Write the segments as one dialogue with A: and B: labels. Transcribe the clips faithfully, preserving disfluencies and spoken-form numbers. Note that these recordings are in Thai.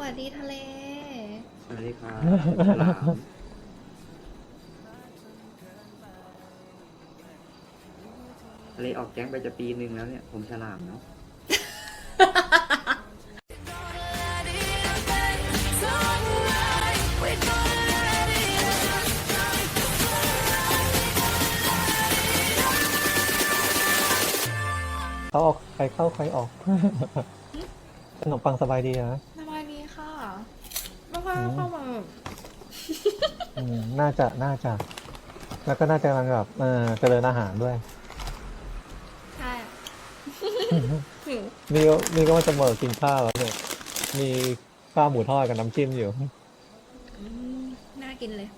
A: วัสดีทะเล
B: สวัสดีครับฉลามทะเลออกแก๊งไปจะปีหนึ่งแล้วเนี่ยผมฉลามเนาะ
C: เขาออกใครเข้าใครออก ขนมปังสบายดีนะ
A: สบายดีค่ะไม่ค่อยเข้ามา
C: อืมน่าจะน่าจะ แล้วก็น่าจะกำลังแบบเออเจริญอาหารด้วย
A: ใช่หิว
C: นี่ก็นี่ก็ว่าจะเมิกินข้าวแล้วเนี่ย มีข้าวหมูทอดกับน้ำจิ้มอยู่
A: อืมน่ากินเลย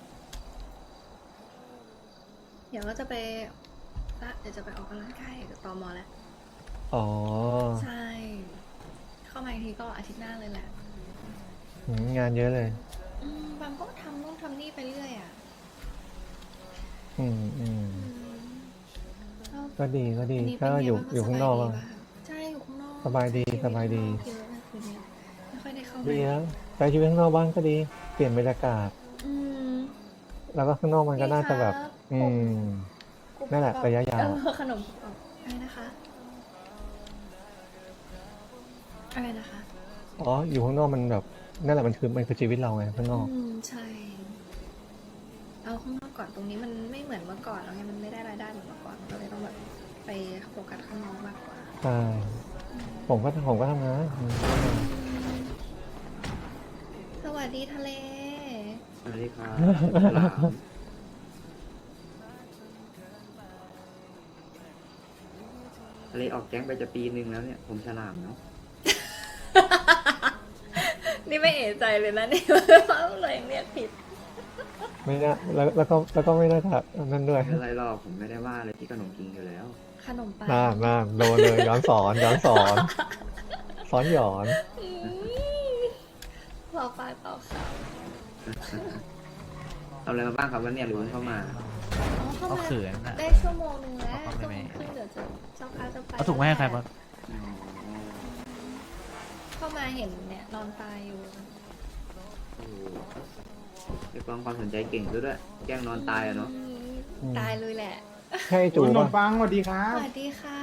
A: เดี๋ยวก็จะไปละเดี๋ยวจะไปออกกำลังกายกับตอมอแล้ว
C: อ๋อ
A: ใช่ เข้ามาอีกทีก็อาทิตย์หน้าเลยแหละ
C: อืมงานเยอะเลย
A: อืมบางก็ทำนู่นทำนี่ไปเรื่อยอ่ะ
C: อืมอืม
A: อืมแล้ว
C: ก็ดีก็ดี
A: วันนี้
C: ก็
A: เป็นไง
C: อยู่
A: บ้างคะ
C: อยู่ข้างนอก
A: สบ
C: อะ
A: ยดีปะใช่อยู่ข้างนอก
C: สบายดี
A: ใช้ชีวิต
C: สบายดี
A: ข้างนอกเยอะนะคืนนี้ไม่ค่อยได้เข้า
C: ดี
A: มา
C: แล้วใช้ชีวิตข้างนอกบ้างก็ดี เปลี่ยนบรรยากาศ
A: อืม
C: แล้วก็ข้างนอกมันก็น่าจะแบบ
A: ดีครับ
C: อืม
A: กลุ่ม
C: นั่นแหละระยะยาว
A: เออขนมกรอบอะไรนะคะ อะไรนะคะ
C: อ๋อ อยู่ข้างนอกมันแบบนั่นแหละมันคือมันคือชีวิตเราไงข้างนอก
A: อืมใช่ เอาข้างนอกก่อนตรงนี้มันไม่เหมือนเมื่อก่อนแล้วไงมันไม่ได้รายได้เหมือนเมื่อก่อนก็เลยต้องแบบไปโฟกัสข้างนอกมากกว่า
C: ใช่ ผมก็ผมก็ทำงานอืม
A: สวัสดีทะเล
B: สวัสดีครับฉลามทะเลออกแก๊งไปจะปีหนึ่งแล้วเนี่ยผมฉลามเนาะ
A: นี่ไม่เอะใจเลยนะนี่ว่าเลยเรียกผิด
C: ไม่น่าแล้วแล้วก็แล้วก็ไม่น่าจะนั่นด้วย
B: ไม่เป็นไรหรอกผมไม่ได้ว่าอะไรที่ขนมกิงอยู่แล้ว
A: ขนมปัง
C: น่าน่าโดนเลยย้อนสอนย้อนสอนซ้อนหยอน
A: อืมรอปลายต่อค่ะ
B: ทำอะไรมาบ้างครับวันเนี้ยหรือเพิ่งเข้ามา
A: อ๋อเข้า
D: เอา
A: มา
D: เขินอ่ะ
A: ได้ชั่วโมงหนึงแล้ว
D: เอา
A: ชั่ว
D: ไป
A: โม
D: ไหม
A: งครึ่งเดี๋ยวจะเจ้าค้าจะไป
D: เอาถุงไว้ให้ใครบ้าง
B: อ๋อ
A: เข้ามาเห็นเนี่ยนอนตายอยู่
B: โอ้โหเรียกร้องความสนใจเก่งซะด้วยแกล้งนอนตายอะเนาะ
A: อืมตายเลยแหละ
C: ให้จู
E: คุณขน
C: ป่ะ
E: มปังสวัสดีครั
A: ส
E: บ
A: วัสดีค่ะ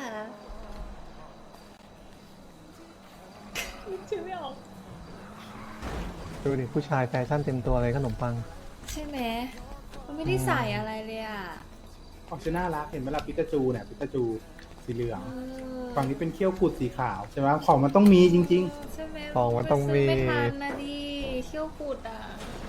A: ชื่อไม่ออก
C: ดูดิผู้ชายแฟชั่นเต็มตัวเลยขนมปัง
A: ใช่ไหมมันไม่ได้ใส่อะไรเลยอ่ะ
E: ออกชื่อน่ารักเห็นไหมล่ะปิกาจูเนี่ยปิกาจูสีเหลือง
A: เออ
E: ฝั่งนี้เป็นเขี้ยวกุดสีขาวใช่ไหมของมันต้องมีจริง
A: ใช่ไหม
C: ของมันต้องมี
A: ซื้ไม่ทันนะดิเขี้ยวปูดอ่ะ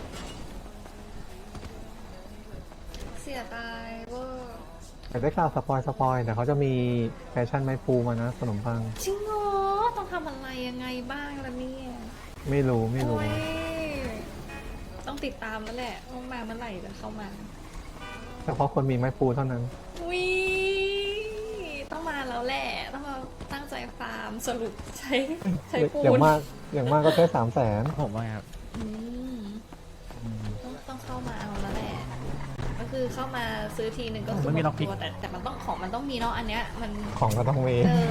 A: เสียดายเวอร์
C: แต่ได้ข่าวสปอยสปอยแต่เขาจะมีแฟชั่นไม้ปูมานะขนมปัง
A: จริงเหรอต้องทำอะไรยังไงบ้างล่ะเนี่ย
C: ไม่รู้ไม่รู้
A: โอ้ยต้องติดตามแล้วแหละว่ามาเมื่อไหร่จะเข้ามา
C: เฉพาะคนมีไม้ปูเท่านั้น
A: วิต้องมาแล้วแหละ ต้องมาตั้งใจฟาร์มสรุปใช้ใช้ปูน
C: อย่างมากอย่างมากก็แค่สามแสน
D: ผมว่าไงครับ
A: อืมต้องต้องเข้ามาเอาแล้วแหละ ก็คือเข้ามาซื้อทีหนึ่งก็คือ
D: มันมี
A: ห
D: ล็อกพิก
A: ตัวแต่แต่มันต้องของมันต้องมีเนาะอันเนี้ยมัน
C: ของก็ต้องมี
A: เออ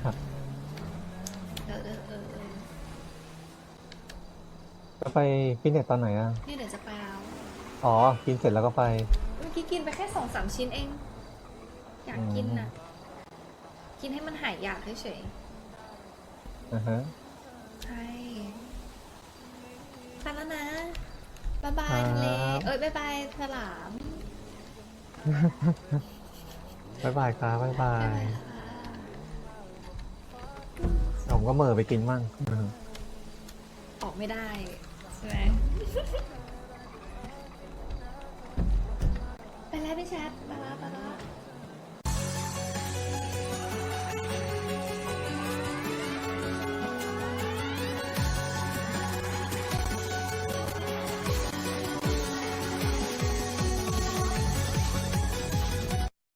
A: เออเออเออเออ
C: จะไปฟิตเนสตอนไหนอ่ะ
A: นี่เดี๋ยวจะไปแล้ว
C: อ๋อ กินเสร็จแล้วก็ไป
A: เมื่อกี้กินไปแค่สองสามชิ้นเอง อยากกินน่ะ กินให้มันหายอยากเฉย
C: อ่าฮะ
A: ๆใช่ไปแล้วนะบ๊ายบาย
C: ครับ
A: ทะเลเอ้ยบ๊ายบายฉลาม
C: บ๊ายบายครับบ๊ายบา
A: บ๊าย
C: ย
A: บายค่ะ
C: ผมก็เหม่อไปกินมั่งอืม
A: ออกไม่ได้ใช่ไหม ไปแล้วพี่แชทไปแล้วไปแล้ว